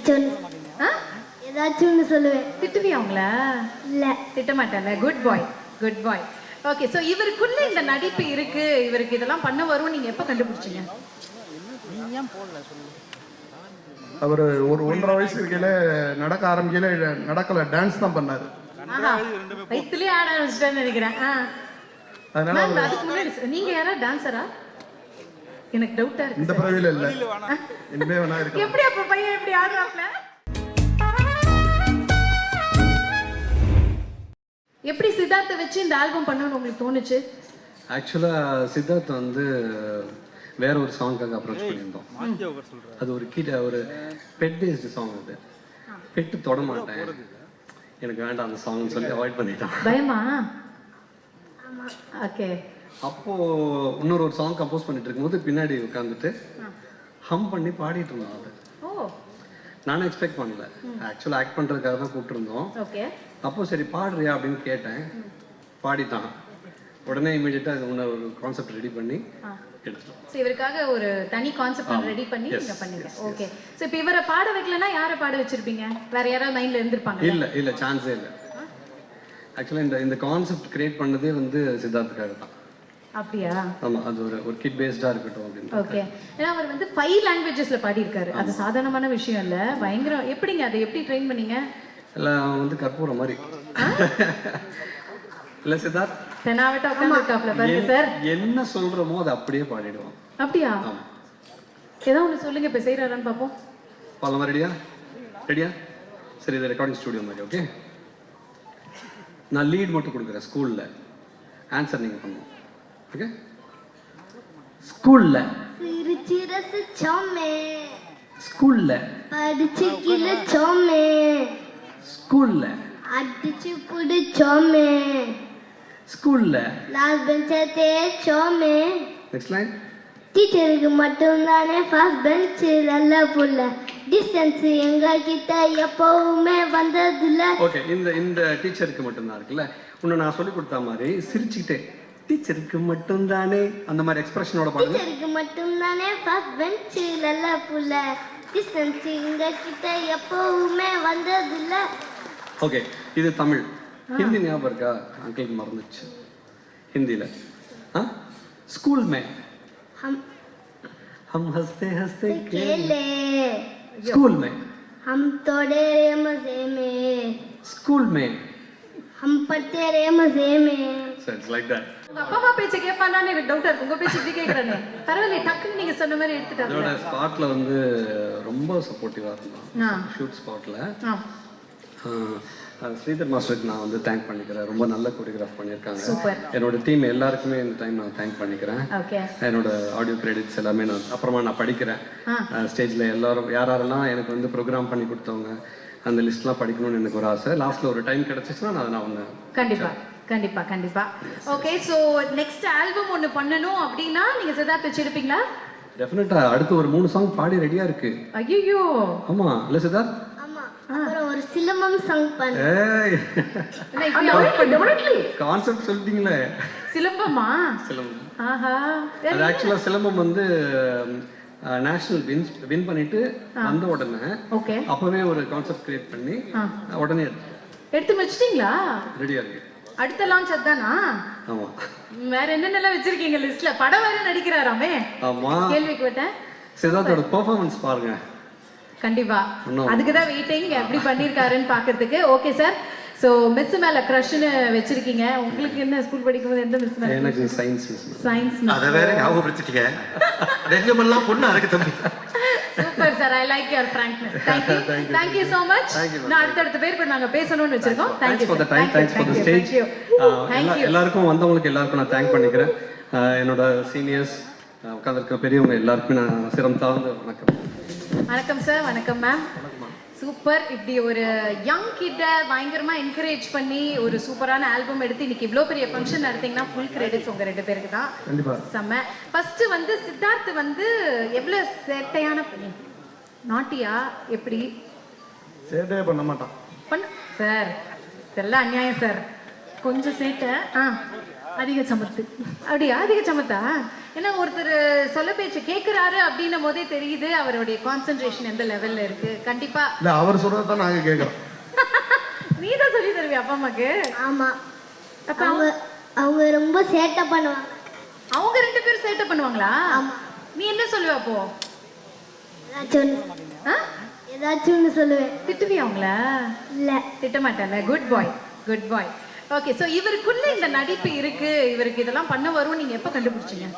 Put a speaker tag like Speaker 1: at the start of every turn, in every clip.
Speaker 1: ஏதாச்சும் ஏதாச்சும் சொல்லுவேன்.
Speaker 2: திட்டுவியா அவங்கள?
Speaker 1: இல்ல
Speaker 2: திட்ட மாட்டேன்ல. Good bye, good bye. Okay, so இவருக்குள்ள இந்த நடிப்பு இருக்கு, இவருக்கு இதெல்லாம் பண்ண வரும், நீங்க எப்ப கண்டுபிடிச்சீங்க?
Speaker 3: அவர் ஒரு 1.5 வயசு இருக்கையில நடக்க ஆரம்பிக்கல, நடக்கல, டான்ஸ் தான் பண்ணாரு.
Speaker 2: வயிற்றுலயே ஆட ஆரம்பிச்சிட்டேன்னு நினைக்கிறேன்.
Speaker 3: அதனால
Speaker 2: அதுக்கு முன்னாடி நீங்க யாரா டான்சரா? எனக்கு டவுட்டா இருக்கு.
Speaker 3: இந்த பிறவில இல்ல, இனிமே வேணா இருக்கு.
Speaker 2: எப்படி அப்ப பையன் எப்படி ஆடுறாப்ல? எப்படி சித்தார்த்தை வச்சு இந்த ஆல்பம் பண்ணணும்னு உங்களுக்கு தோணுச்சு?
Speaker 4: ஆக்சுவலாக சித்தார்த் வந்து வேற ஒரு சாங்காக அப்ரோச் பண்ணியிருந்தோம். அது ஒரு பெட் பேஸ்டு சாங். அது பெட்டு தொட மாட்டேன், எனக்கு வேண்டாம் அந்த சாங்னு சொல்லி அவாய்ட் பண்ணிட்டான்.
Speaker 2: பயமா? ஓகே.
Speaker 4: அப்போ இன்னொரு சாங் கம்போஸ் பண்ணிட்டு இருக்கும்போது பின்னாடி உட்காந்துட்டு ஹம் பண்ணி பாடிட்டு இருந்தோம். அது நானும் எக்ஸ்பெக்ட் பண்ணல. ஆக்சுவலாக ஆக்ட் பண்ணுறதுக்காக தான் கூப்பிட்டுருந்தோம்.
Speaker 2: ஓகே.
Speaker 4: அப்போ சரி பாடுறியா அப்படின்னு கேட்டேன், பாடிட்டான். உடனே இமீடியட்டாக இது முன்ன ஒரு கான்செப்ட் ரெடி பண்ணி எடுத்துட்டோம்.
Speaker 2: ஸோ இவருக்காக ஒரு தனி கான்செப்ட் ரெடி பண்ணி நீங்கள் பண்ணீங்க. ஓகே. ஸோ இப்போ இவரை பாட வைக்கலன்னா யாரை பாட வச்சிருப்பீங்க? வேற யாராவது மைண்டில் இருந்திருப்பாங்க?
Speaker 4: இல்லை சான்ஸே இல்லை. ஆக்சுவலாக இந்த கான்செப்ட் கிரியேட் பண்ணதே வந்து சித்தார்த்துக்காக தான்.
Speaker 2: அப்படியா?
Speaker 4: ஆமா, அது ஒரு கிட் பேஸ்டா இருக்கட்டும் அப்படின்னு.
Speaker 2: ஓகே. ஏன்னா அவர் வந்து 5 லாங்குவேஜஸ்ல பாடி இருக்காரு. அது சாதாரணமான விஷயம் இல்ல, பயங்கரம். எப்படிங்க அதை எப்படி ட்ரெயின் பண்ணீங்க?
Speaker 4: இல்ல வந்து கற்பூரம் மாதிரி. இல்ல சித்தார்த்
Speaker 2: தெனாவட்ட உட்கார்ந்திருக்காப்ல பாருங்க சார்.
Speaker 4: என்ன சொல்றோமோ அதை அப்படியே பாடிடுவோம்.
Speaker 2: அப்படியா? ஏதோ ஒன்று சொல்லுங்க, இப்போ செய்யறாரான்னு பார்ப்போம்.
Speaker 4: பாடலாமா? ரெடியா? சரி, இது ரெக்கார்டிங் ஸ்டுடியோ மாதிரி. ஓகே, நான் லீட் மட்டும் கொடுக்குறேன். ஸ்கூல்ல ஆன்சர் நீங்க பண்ணுவோம். ஓகே. ஸ்கூல்ல
Speaker 1: சிரிச்சு ரசிச்சோமே,
Speaker 4: ஸ்கூல்ல
Speaker 1: படிச்சு கிழிச்சோமே,
Speaker 4: ஸ்கூல்ல
Speaker 1: அடிச்சு புடிச்சோமே,
Speaker 4: ஸ்கூல்ல
Speaker 1: லாஸ்ட் பெஞ்சை தேய்ச்சோமே.
Speaker 4: Next line.
Speaker 1: டீச்சருக்கு மட்டும்தானே ஃபர்ஸ்ட் பெஞ்ச் நல்ல புள்ள, டிஸ்டன்ஸ் எங்க கிட்ட எப்பவுமே வந்ததில்ல.
Speaker 4: ஓகே, இந்த டீச்சருக்கு மட்டும்தான் இருக்குல்ல. இன்னும் நான் சொல்லி கொடுத்த மாதிரி சிரிச்சுக்கிட்டே டீச்சருக்கு மட்டும்தானே அந்த மாதிரி எக்ஸ்பிரஷனோட பாருங்க.
Speaker 1: டீச்சருக்கு மட்டும்தானே ஃபர்ஸ்ட் பெஞ்ச் நல்ல புள்ள, டிஸ்டன்ஸ் எங்க கிட்ட எப்பவுமே வந்ததில்ல.
Speaker 4: ஓகே, இது தமிழ். ஹிந்தி ஞாபகம் இருக்கா? அங்கிளுக்கு மறந்துச்சு ஹிந்தியில. ஸ்கூல் மே हम हंसते हंसते
Speaker 1: खेले,
Speaker 4: स्कूल में
Speaker 1: हम तोड़े रे मजे में,
Speaker 4: स्कूल में
Speaker 1: हम पढ़ते रे मजे में.
Speaker 4: So it's like that.
Speaker 2: உங்க அப்பா அம்மா பேச்சை கேட்பானான்னு எனக்கு டவுட்டா இருக்கு. உங்க பேச்சு இப்படி கேட்கறானே, பரவாயில்ல, டக்குன்னு நீங்க சொன்ன மாதிரி எடுத்துட்டாங்க.
Speaker 4: இதோட ஸ்பாட்ல வந்து ரொம்ப சப்போர்ட்டிவா இருந்தான். ஷூட் ஸ்பாட்ல ஸ்ரீதர் மாஸ்டருக்கு நான் வந்து தேங்க் பண்ணிக்கிறேன். ரொம்ப நல்ல கோரியோகிராஃப் பண்ணியிருக்காங்க. என்னோட டீம் எல்லாருக்குமே இந்த டைம் நான் தேங்க் பண்ணிக்கிறேன். என்னோட ஆடியோ கிரெடிட்ஸ் எல்லாமே நான் அப்புறமா நான் படிக்கிறேன். ஸ்டேஜில் எல்லாரும் யாரெல்லாம் எனக்கு வந்து ப்ரோக்ராம் பண்ணி கொடுத்தவங்க அந்த லிஸ்ட்லாம் படிக்கணும்னு எனக்கு ஒரு ஆசை. லாஸ்ட்டில் ஒரு டைம் கிடச்சிச்சுன்னா நான் ஒன்று
Speaker 2: கண்டிப்பா. ஓகே, ஸோ நெக்ஸ்ட் ஆல்பம் ஒன்று பண்ணணும் அப்படின்னா நீங்கள் சித்தார்த் வச்சிருப்பீங்களா?
Speaker 4: டெஃபினட்டா. அடுத்து ஒரு 3 சாங் பாடி ரெடியா இருக்கு.
Speaker 2: ஐயோ,
Speaker 4: ஆமா இல்ல சித்தார்த்?
Speaker 1: அப்புறம் ஒரு சிலம்பம் சாங் பண்ணு.
Speaker 4: கான்செப்ட் சொல்லிட்டீங்களே.
Speaker 2: சிலம்பமா?
Speaker 4: சிலம்பம்.
Speaker 2: ஆஹா.
Speaker 4: அது ஆக்சுவலா சிலம்பம் வந்து நேஷனல் வின் பண்ணிட்டு வந்த உடனே அப்பவே ஒரு கான்செப்ட் கிரியேட் பண்ணி உடனே
Speaker 2: எடுத்து வச்சிட்டீங்களா?
Speaker 4: ரெடியா இருக்கு.
Speaker 2: அடுத்த லான்ச் அதானா?
Speaker 4: ஆமா.
Speaker 2: வேற என்னென்னலாம் வச்சிருக்கீங்க லிஸ்ட்ல? படம் வேற நடிக்கிறாராமே.
Speaker 4: ஆமா,
Speaker 2: கேள்விப்பட்டேன்.
Speaker 4: சித்தார்த்தோட பெர்ஃபார்மன்ஸ் பாருங்க.
Speaker 2: கண்டிப்பா, அதுக்கு தான் வெயிட்டிங் எப்படி பண்ணிருக்காருன்னு பாக்கிறதுக்கு. ஓகே சார், சோ மிஸ் மேல கிரஷ்னு வச்சிருக்கீங்க. உங்களுக்கு என்ன ஸ்கூல் படிக்கும்போது எந்த மிஸ் மேல?
Speaker 4: எனக்கு சயின்ஸ் மிஸ்.
Speaker 5: அத வேற ஞாபகப்படுத்திட்டீங்க. ரெங்கமெல்லாம் பொண்ணு அருக்கு தம்பி.
Speaker 2: Super sir, I like your frankness. thank you so much. நான் அடுத்த பேர் கூட நாங்க பேசணும்னு வச்சிருக்கோம்.
Speaker 4: thank you for the time, thanks for the stage. எல்லாருக்கும் வந்தவங்களுக்கு எல்லாருக்கும் நான் தேங்க் பண்ணிக்கிறேன். என்னோட சீனியர்ஸ் உட்கார்ந்திருக்க பெரியவங்க எல்லாருக்கும் நான் சிரம் தாழ்ந்து வணக்கம்.
Speaker 2: வணக்கம் சார். வணக்கம் மேம். சூப்பர். இப்படி ஒரு யங் கிட்ட பயங்கரமா என்கரேஜ் பண்ணி ஒரு சூப்பரான ஆல்பம் எடுத்து இன்னைக்கு இவ்வளோ பெரிய ஃபங்க்ஷன் நடத்தீங்கன்னா ஃபுல் கிரெடிட்ஸ் உங்க 2 பேருக்கு தான்.
Speaker 3: கண்டிப்பா.
Speaker 2: செம்ம. ஃபர்ஸ்ட் வந்து சித்தார்த் வந்து எவ்வளவு சேட்டையான பையன்? நாட்டியா எப்படி?
Speaker 3: சேட்டையே பண்ண மாட்டான்.
Speaker 2: சார் இதெல்லாம் அநியாயம் சார். கொஞ்சம் சேட்டை, அதிக சமத்து. அப்படியா? அதிக சமத்தா? ஏன்னா ஒருத்தர் சொல்ல பேச்சு கேட்குறாரு அப்படின்னும் போதே தெரியுது அவருடைய கான்சென்ட்ரேஷன் எந்த லெவல்ல இருக்கு. கண்டிப்பா
Speaker 3: இல்ல அவர் சொல்றதை தான் நாங்க கேட்கறோம்.
Speaker 2: நீ தான் சொல்லி தருவியா அப்பா அம்மாக்கு?
Speaker 1: ஆமா.
Speaker 2: அப்ப
Speaker 1: அவங்க ரொம்ப சேட்டை பண்ணுவாங்க.
Speaker 2: அவங்க 2 பேரும் சேட்டை பண்ணுவாங்களா? நீ என்ன சொல்லுவ அப்போ?
Speaker 1: ஏதாச்சும் ஒன்று சொல்லுவேன்.
Speaker 2: திட்டுவியா அவங்கள? இல்ல திட்ட மாட்டேன்ல. Good bye, good bye. Okay, so இவருக்குள்ள இந்த நடிப்பு இருக்கு, இவருக்கு இதெல்லாம் பண்ண வரும், நீங்க எப்ப கண்டுபிடிச்சீங்க?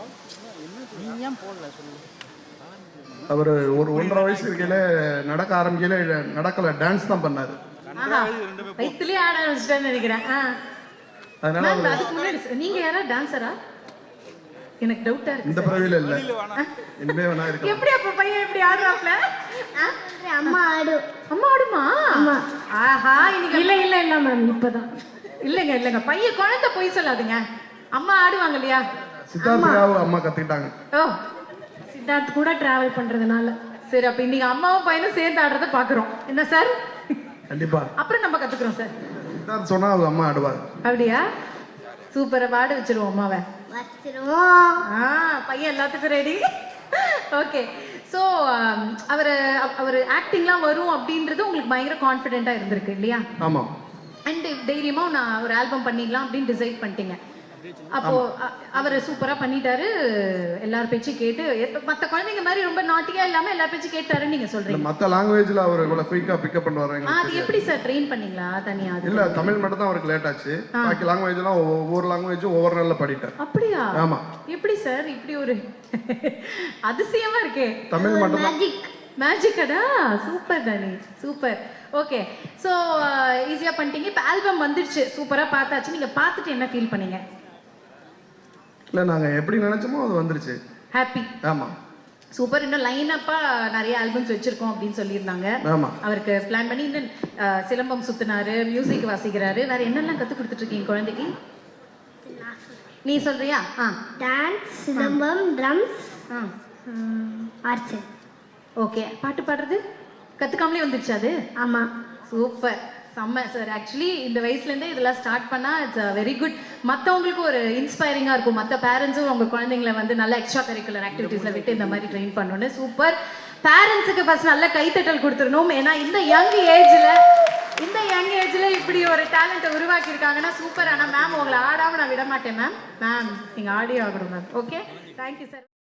Speaker 3: அவர் ஒரு 1.5 வயசு இருக்கையில நடக்க ஆரம்பிக்கல, நடக்கல, டான்ஸ் தான் பண்ணாரு.
Speaker 2: வயிற்றுலயே ஆட ஆரம்பிச்சிட்டேன்னு நினைக்கிறேன்.
Speaker 3: அதனால
Speaker 2: அதுக்கு முன்னாடி நீங்க யாரா டான்சரா? எனக்கு டவுட்டா இருக்கு.
Speaker 3: இந்த பிறவில இல்ல, இனிமே வேணா இருக்கு.
Speaker 2: எப்படி அப்ப பையன் எப்படி ஆடுறாப்ல?
Speaker 1: அம்மா ஆடும்.
Speaker 2: அம்மா ஆடுமா? ஆஹா, இன்னைக்கு
Speaker 6: இல்ல இல்ல இல்ல மேம், இப்பதான்.
Speaker 2: இல்லங்க இல்லங்க, பையன் குழந்தை போய் சொல்லாதுங்க. அம்மா ஆடுவாங்க இல்லையா?
Speaker 3: சித்தார்த்தியாவும் அம்மா கத்துக்கிட்டாங்க.
Speaker 2: ஓ,
Speaker 6: சித்தார்த் கூட டிராவல் பண்றதுனால.
Speaker 2: சரி, அப்ப இன்னைக்கு அம்மாவும் பையனும் சேர்ந்து ஆடுறத பாக்குறோம். என்ன சார்?
Speaker 3: கண்டிப்பா.
Speaker 2: அப்புறம் நம்ம கத்துக்கிறோம் சார்.
Speaker 3: சித்தார்த் சொன்னா அவங்க அம்மா ஆடுவாங்க. அப்படியா?
Speaker 2: சூப்பரா பாட வச்சிருவோம் அம்மாவை.
Speaker 1: வச்சிருவோம்.
Speaker 2: பையன் எல்லாத்துக்கும் ரெடி. ஓகே, ஸோ அவர் ஆக்டிங்லாம் வரும் அப்படின்றது உங்களுக்கு பயங்கர கான்ஃபிடென்ட்டா இருந்திருக்கு இல்லையா?
Speaker 3: ஆமா.
Speaker 2: அண்ட் தைரியமா நான் ஒரு ஆல்பம் பண்ணிடலாம் அப்படின்னு டிசைட் பண்ணிட்டீங்க. அப்போ அவர் சூப்பரா பண்ணிட்டாரு, எல்லார் பேச்சும் கேட்டு, மத்த குழந்தைங்க மாதிரி ரொம்ப நாட்டியா இல்லாம எல்லார் பேச்சும் கேட்டாருன்னு நீங்க சொல்றீங்க.
Speaker 3: மத்த லாங்குவேஜ்ல அவர் இவ்வளவு குயிக்கா பிக்கப் பண்ணுவாரு.
Speaker 2: அது எப்படி சார் ட்ரெயின் பண்ணீங்களா தனியா?
Speaker 3: இல்ல, தமிழ் மட்டும் தான் அவருக்கு லேட் ஆச்சு. பாக்கி லாங்குவேஜ்லாம் ஒவ்வொரு லாங்குவேஜும் ஒவ்வொரு நாள்ல படிட்டார்.
Speaker 2: அப்படியா?
Speaker 3: ஆமா.
Speaker 2: எப்படி சார் இப்படி ஒரு அதிசயமா இருக்கே.
Speaker 3: தமிழ் மட்டும் தான்.
Speaker 2: மேஜிக்கடா? சூப்பர் தானே, சூப்பர். ஓகே, ஸோ ஈஸியா பண்ணிட்டீங்க. இப்போ ஆல்பம் வந்துருச்சு, சூப்பரா பார்த்தாச்சு. நீங்க பார்த்துட்டு என்ன ஃபீல் பண்ணீங்க?
Speaker 3: இல்ல, நாங்க எப்படி நினைச்சோமோ அது வந்துருச்சு.
Speaker 2: ஹாப்பி.
Speaker 3: ஆமா,
Speaker 2: சூப்பர். இன்னும் லைன் அப்பா நிறைய ஆல்பம்ஸ் வச்சிருக்கோம் அப்படின்னு சொல்லியிருந்தாங்க.
Speaker 3: ஆமா.
Speaker 2: அவருக்கு பிளான் பண்ணி இன்னும் சிலம்பம் சுத்தினாரு, மியூசிக் வாசிக்கிறாரு. வேற என்னெல்லாம் கத்து கொடுத்துட்டு இருக்கீங்க குழந்தைக்கு? நீ சொல்றியா?
Speaker 1: Dance, silambam, drums, archery.
Speaker 2: Okay, பாட்டு பாடுறது கத்துக்காமலே வந்துருச்சு அது?
Speaker 1: ஆமா.
Speaker 2: சூப்பர், செம்ம சார். ஆக்சுவலி இந்த வயசுலேருந்தே இதெல்லாம் ஸ்டார்ட் பண்ணால் இட்ஸ் வெரி குட். மற்றவங்களுக்கும் ஒரு இன்ஸ்பைரிங்காக இருக்கும். மற்ற பேரண்ட்ஸும் உங்கள் குழந்தைங்களை வந்து நல்ல எக்ஸ்ட்ரா கரிக்குலர் ஆக்டிவிட்டீஸில் விட்டு இந்த மாதிரி ட்ரெயின் பண்ணணுன்னு. சூப்பர். பேரண்ட்ஸுக்கு ஃபர்ஸ்ட் நல்ல கைத்தட்டல் கொடுத்துடணும். ஏன்னா இந்த யங் ஏஜில் இப்படி ஒரு டேலண்ட்டை உருவாக்கியிருக்காங்கன்னா சூப்பர். ஆனால் மேம் உங்களை ஆடாமல் நான் விட மாட்டேன் மேம். நீங்கள் ஆடியோ ஆகணும் மேம். Okay, thank you sir.